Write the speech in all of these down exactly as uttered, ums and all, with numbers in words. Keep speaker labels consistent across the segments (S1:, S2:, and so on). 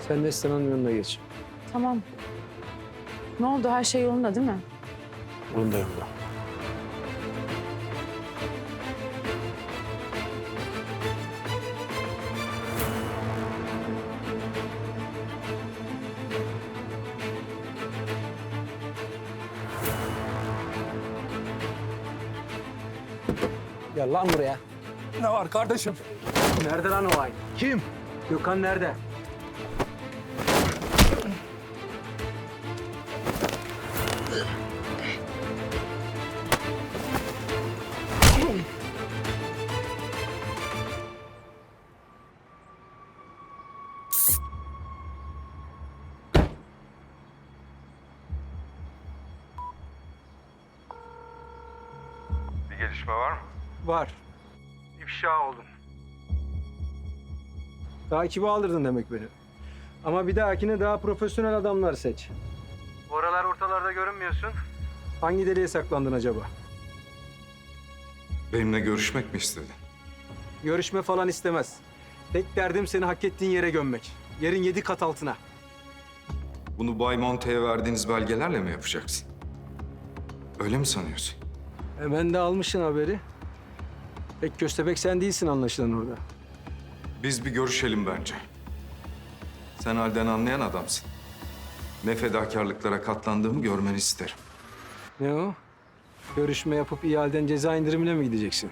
S1: Sen Neslihan'ın yanına geç.
S2: Tamam. Ne oldu? Her şey yolunda değil mi?
S1: Yolunda yolunda. Gel lan buraya.
S3: Ne var kardeşim?
S1: Nerede lan o ay?
S3: Kim?
S1: Gökhan nerede?
S4: Bir gelişme var mı?
S1: Var.
S4: İfşa oldun.
S1: Takibe aldırdın demek beni. Ama bir dahakine daha profesyonel adamlar seç.
S4: Bu aralar ortalarda görünmüyorsun.
S1: Hangi deliğe saklandın acaba?
S4: Benimle görüşmek mi istedin?
S1: Görüşme falan istemez. Tek derdim seni hak ettiğin yere gömmek. Yerin yedi kat altına.
S4: Bunu Bay Monte'ye verdiğiniz belgelerle mi yapacaksın? Öyle mi sanıyorsun?
S1: Hemen de almışsın haberi. Pek köstebek sen değilsin anlaşılan orada.
S4: Biz bir görüşelim bence. Sen halden anlayan adamsın. Ne fedakarlıklara katlandığımı görmeni isterim.
S1: Ne o? Görüşme yapıp ihaleden ceza indirimine mi gideceksin?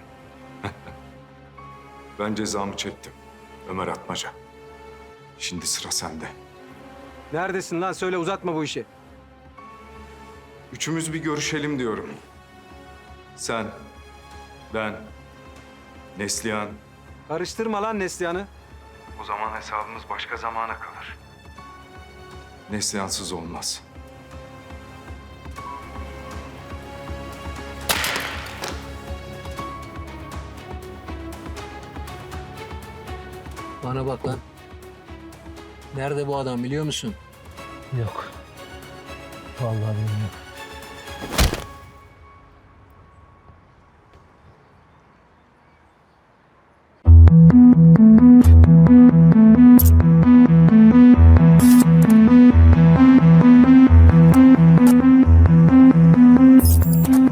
S4: Ben cezamı çektim. Ömer Atmaca. Şimdi sıra sende.
S1: Neredesin lan? Söyle, uzatma bu işi.
S4: Üçümüz bir görüşelim diyorum. Sen, ben, Neslihan.
S1: Karıştırma lan Neslihan'ı.
S4: O zaman hesabımız başka zamana kalır. Neslihansız olmaz.
S1: Bana bak lan. Nerede bu adam biliyor musun?
S3: Yok. Vallahi bilmiyorum.